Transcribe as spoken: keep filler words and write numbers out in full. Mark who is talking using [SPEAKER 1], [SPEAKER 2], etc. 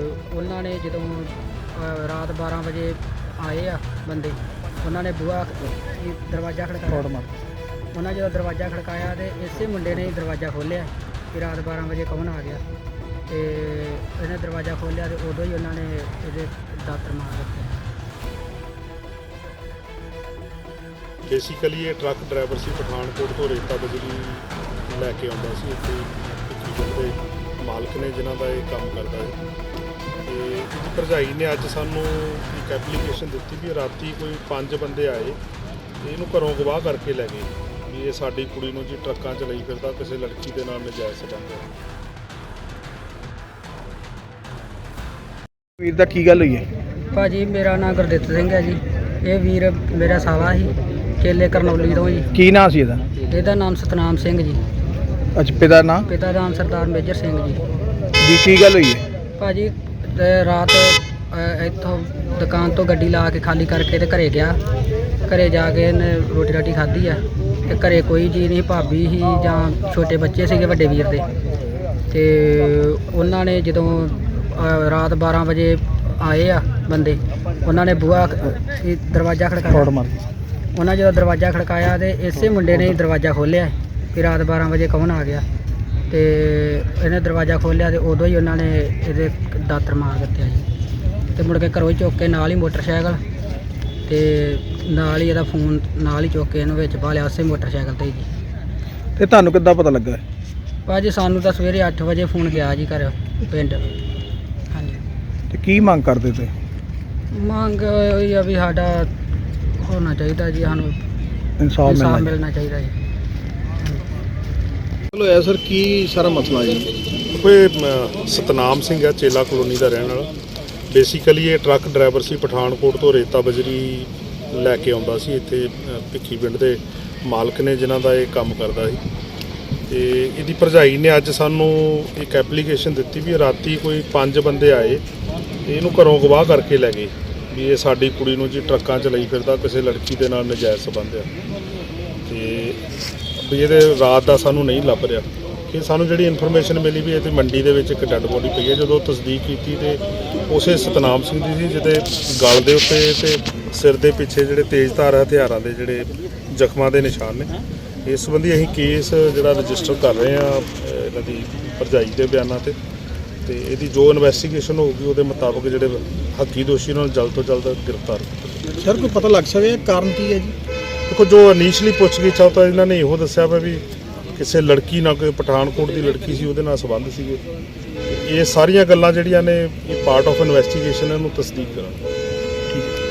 [SPEAKER 1] ਉਹਨਾਂ ਨੇ ਜਦੋਂ ਅ, ਰਾਤ ਬਾਰਾਂ ਵਜੇ ਆਏ ਆ ਬੰਦੇ, ਉਹਨਾਂ ਨੇ ਬੂਹਾ ਇਹ ਦਰਵਾਜ਼ਾ ਖੜਕਾਇਆ। ਉਹਨਾਂ ਜਦੋਂ ਦਰਵਾਜ਼ਾ ਖੜਕਾਇਆ ਤੇ ਇਸੇ ਮੁੰਡੇ ਨੇ ਹੀ ਦਰਵਾਜ਼ਾ ਖੋਲ੍ਹਿਆ ਕਿ ਰਾਤ ਬਾਰਾਂ ਵਜੇ ਕੌਣ ਆ ਗਿਆ, ਤੇ ਇਹਨੇ ਦਰਵਾਜ਼ਾ ਖੋਲ੍ਹਿਆ ਤੇ ਉਦੋਂ ਹੀ ਉਹਨਾਂ ਨੇ ਇਹਦੇ ਦਾਤਰ ਮਾਰ ਦਿੱਤੇ।
[SPEAKER 2] ਬੇਸਿਕਲੀ ਇਹ ਟਰੱਕ ਡਰਾਈਵਰ ਸੀ, ਪਠਾਨਕੋਟ ਤੋਂ ਰੇਤਾ ਬਜਰੀ ਲੈ ਕੇ ਆਉਂਦਾ ਸੀ। ਇੱਥੇ ਭਿੱਖੀਵਿੰਡ ਦੇ ਮਾਲਕ ਨੇ ਜਿਨ੍ਹਾਂ ਦਾ ਇਹ ਕੰਮ ਕਰਦਾ ਹੈ, ਤੇ ਇਹਦੀ ਭਰਜਾਈ ਨੇ ਅੱਜ ਸਾਨੂੰ ਇੱਕ ਐਪਲੀਕੇਸ਼ਨ ਦਿੱਤੀ ਵੀ ਰਾਤੀ ਕੋਈ ਪੰਜ ਬੰਦੇ ਆਏ ਤੇ ਇਹਨੂੰ ਘਰੋਂ ਗਵਾਹ ਕਰਕੇ ਲੈ ਗਏ ਵੀ ਇਹ ਸਾਡੀ ਕੁੜੀ ਨੂੰ ਜੀ ਟਰੱਕਾਂ 'ਚ ਲਈ ਫਿਰਦਾ, ਕਿਸੇ ਲੜਕੀ ਦੇ ਨਾਲ ਨਜਾਇਜ਼ ਸੰਬੰਧ ਹੈ।
[SPEAKER 3] ਵੀਰ ਦਾ ਕੀ ਗੱਲ ਹੋਈ ਹੈ?
[SPEAKER 1] ਭਾਜੀ ਮੇਰਾ ਨਾਮ ਗੁਰਦਿੱਤ ਸਿੰਘ ਹੈ ਜੀ। ਇਹ ਵੀਰ ਮੇਰਾ ਸਾਲਾ ਸੀ, ਚੇਲੇ ਕਰਨੌਲੀ ਤੋਂ ਜੀ।
[SPEAKER 3] ਕੀ ਨਾਂ ਸੀ ਇਹਦਾ?
[SPEAKER 1] ਇਹਦਾ ਨਾਮ ਸਤਨਾਮ ਸਿੰਘ ਜੀ।
[SPEAKER 3] ਅੱਛਾ, ਪਿਤਾ ਦਾ ਨਾਂ?
[SPEAKER 1] ਪਿਤਾ ਦਾ ਨਾਮ ਸਰਦਾਰ ਮੇਜਰ ਸਿੰਘ ਜੀ।
[SPEAKER 3] ਜੀ ਕੀ ਗੱਲ ਹੋਈ ਹੈ?
[SPEAKER 1] ਭਾਜੀ ਤੇ ਰਾਤ ਅ, ਇੱਥੋਂ ਦੁਕਾਨ ਤੋਂ ਗੱਡੀ ਲਾ ਕੇ ਖਾਲੀ ਕਰਕੇ ਤੇ ਘਰੇ ਗਿਆ। ਘਰੇ ਜਾ ਕੇ ਇਹਨੇ ਰੋਟੀ ਰਾਟੀ ਖਾਧੀ ਆ ਤੇ ਘਰੇ ਕੋਈ ਜੀ ਨਹੀਂ, ਭਾਬੀ ਸੀ ਜਾਂ ਛੋਟੇ ਬੱਚੇ ਸੀਗੇ ਵੱਡੇ ਵੀਰ ਦੇ। ਤੇ ਉਹਨਾਂ ਨੇ ਜਦੋਂ ਅ, ਰਾਤ ਬਾਰਾਂ ਵਜੇ ਆਏ ਆ ਬੰਦੇ, ਉਹਨਾਂ ਨੇ ਬੂਹਾ ਇਹ ਦਰਵਾਜ਼ਾ ਖੜਕਾਇਆ। ਉਹਨਾਂ ਜਦੋਂ ਦਰਵਾਜ਼ਾ ਖੜਕਾਇਆ ਤੇ ਇਸੇ ਮੁੰਡੇ ਨੇ ਹੀ ਦਰਵਾਜ਼ਾ ਖੋਲ੍ਹਿਆ ਕਿ ਰਾਤ ਬਾਰਾਂ ਵਜੇ ਕੌਣ ਆ ਗਿਆ, ਤੇ ਇਹਨੇ ਦਰਵਾਜ਼ਾ ਖੋਲ੍ਹਿਆ ਤੇ ਉਦੋਂ ਹੀ ਉਹਨਾਂ ਨੇ ਇਹਦੇ ਦਾਤਰ ਮਾਰ ਦਿੱਤੇ ਜੀ। ਤੇ ਮੁੜ ਕੇ ਘਰੋਂ ਹੀ ਚੁੱਕ ਕੇ ਨਾਲ ਹੀ ਮੋਟਰਸਾਈਕਲ ਤੇ ਨਾਲ ਹੀ ਇਹਦਾ ਫੋਨ ਨਾਲ ਹੀ ਚੁੱਕ ਕੇ ਇਹਨੂੰ ਵਿੱਚ ਪਾ ਲਿਆ ਉਸੇ ਮੋਟਰਸਾਈਕਲ ਤੇ ਜੀ।
[SPEAKER 3] ਤੇ ਤੁਹਾਨੂੰ ਕਿੱਦਾਂ ਪਤਾ ਲੱਗਾ?
[SPEAKER 1] ਭਾਜੀ ਸਾਨੂੰ ਤਾਂ ਸਵੇਰੇ ਅੱਠ ਵਜੇ ਫੋਨ ਗਿਆ ਜੀ ਘਰ ਪਿੰਡ। ਹਾਂਜੀ।
[SPEAKER 3] ਤੇ ਕੀ ਮੰਗ ਕਰਦੇ ਤੇ?
[SPEAKER 1] ਮੰਗ ਇਹ ਆ ਵੀ ਸਾਡਾ ਹੋਣਾ ਚਾਹੀਦਾ ਜੀ, ਸਾਨੂੰ
[SPEAKER 3] ਇਨਸਾਫ
[SPEAKER 1] ਇਨਸਾਫ
[SPEAKER 3] ਮਿਲਣਾ
[SPEAKER 1] ਮਿਲਣਾ ਚਾਹੀਦਾ ਜੀ।
[SPEAKER 3] ਚਲੋ ਐ ਸਰ, ਕੀ ਸਾਰਾ ਮਸਲਾ ਜੀ?
[SPEAKER 2] ਕੋਈ ਅ, ਸਤਨਾਮ ਸਿੰਘ ਹੈ, ਚੇਲਾ ਕਲੋਨੀ ਦਾ ਰਹਿਣ ਵਾਲਾ। ਬੇਸਿਕਲੀ ਇਹ ਟਰੱਕ ਡਰਾਈਵਰ ਸੀ, ਪਠਾਨਕੋਟ ਤੋਂ ਰੇਤਾ ਬਜਰੀ ਲੈ ਕੇ ਆਉਂਦਾ ਸੀ। ਇੱਥੇ ਅ, ਭਿੱਖੀਵਿੰਡ ਦੇ ਮਾਲਕ ਨੇ ਜਿਨ੍ਹਾਂ ਦਾ ਇਹ ਕੰਮ ਕਰਦਾ ਸੀ, ਤੇ ਇਹਦੀ ਭਰਜਾਈ ਨੇ ਅੱਜ ਸਾਨੂੰ ਇੱਕ ਐਪਲੀਕੇਸ਼ਨ ਦਿੱਤੀ ਵੀ ਰਾਤੀ ਕੋਈ ਪੰਜ ਬੰਦੇ ਆਏ ਤੇ ਇਹਨੂੰ ਘਰੋਂ ਗਵਾਹ ਕਰਕੇ ਲੈ ਗਏ ਵੀ ਇਹ ਸਾਡੀ ਕੁੜੀ ਨੂੰ ਜੀ ਟਰੱਕਾਂ 'ਚ ਲਈ ਫਿਰਦਾ, ਕਿਸੇ ਲੜਕੀ ਦੇ ਨਾਲ ਨਜਾਇਜ਼ ਸੰਬੰਧ ਹੈ। ਤੇ ਵੀ ਇਹਦੇ ਰਾਤ ਦਾ ਸਾਨੂੰ ਨਹੀਂ ਲੱਭ ਰਿਹਾ ਕਿ ਸਾਨੂੰ ਜਿਹੜੀ ਇਨਫੋਰਮੇਸ਼ਨ ਮਿਲੀ ਵੀ ਇੱਥੇ ਮੰਡੀ ਦੇ ਵਿੱਚ ਇੱਕ ਡੈੱਡ ਬੋਡੀ ਪਈ ਹੈ। ਜਦੋਂ ਤਸਦੀਕ ਕੀਤੀ ਤੇ ਉਸੇ ਸਤਨਾਮ ਸਿੰਘ ਦੀ ਸੀ, ਜਿਹਦੇ ਗਲ ਦੇ ਉੱਤੇ ਤੇ ਸਿਰ ਦੇ ਪਿੱਛੇ ਜਿਹੜੇ ਤੇਜ਼ਧਾਰ ਹਥਿਆਰਾਂ ਦੇ ਜਿਹੜੇ ਜ਼ਖਮਾਂ ਦੇ ਨਿਸ਼ਾਨ ਨੇ। ਇਸ ਸੰਬੰਧੀ ਅਸੀਂ ਕੇਸ ਜਿਹੜਾ ਰਜਿਸਟਰ ਕਰ ਰਹੇ ਹਾਂ ਇਹਨਾਂ ਦੀ ਭਰਜਾਈ ਦੇ ਬਿਆਨਾਂ ਤੇ ਤੇ ਇਹਦੀ ਜੋ ਇਨਵੈਸਟੀਗੇਸ਼ਨ ਹੋਊਗੀ ਉਹਦੇ ਮੁਤਾਬਕ ਜਿਹੜੇ ਹੱਕੀ ਦੋਸ਼ੀ ਉਹਨਾਂ ਨੂੰ ਜਲਦ ਤੋਂ ਜਲਦ ਗ੍ਰਿਫਤਾਰ ਕੀਤਾ।
[SPEAKER 3] ਸਰ ਕੋਈ ਪਤਾ ਲੱਗ ਸਕਿਆ ਕਾਰਨ ਕੀ ਹੈ ਜੀ?
[SPEAKER 2] ਦੇਖੋ, ਜੋ ਇਨੀਸ਼ੀਅਲੀ ਪੁੱਛਗਿੱਛ ਆ ਤਾਂ ਇਹਨਾਂ ਨੇ ਇਹੋ ਦੱਸਿਆ ਵਾ ਵੀ ਕਿਸੇ ਲੜਕੀ ਨਾਲ, ਕੋਈ ਪਠਾਨਕੋਟ ਦੀ ਲੜਕੀ ਸੀ, ਉਹਦੇ ਨਾਲ ਸੰਬੰਧ ਸੀਗੇ। ਇਹ ਸਾਰੀਆਂ ਗੱਲਾਂ ਜਿਹੜੀਆਂ ਨੇ ਇਹ ਪਾਰਟ ਆਫ ਇਨਵੈਸਟੀਗੇਸ਼ਨ, ਇਹਨੂੰ ਤਸਦੀਕ ਕਰਾਂਗੇ।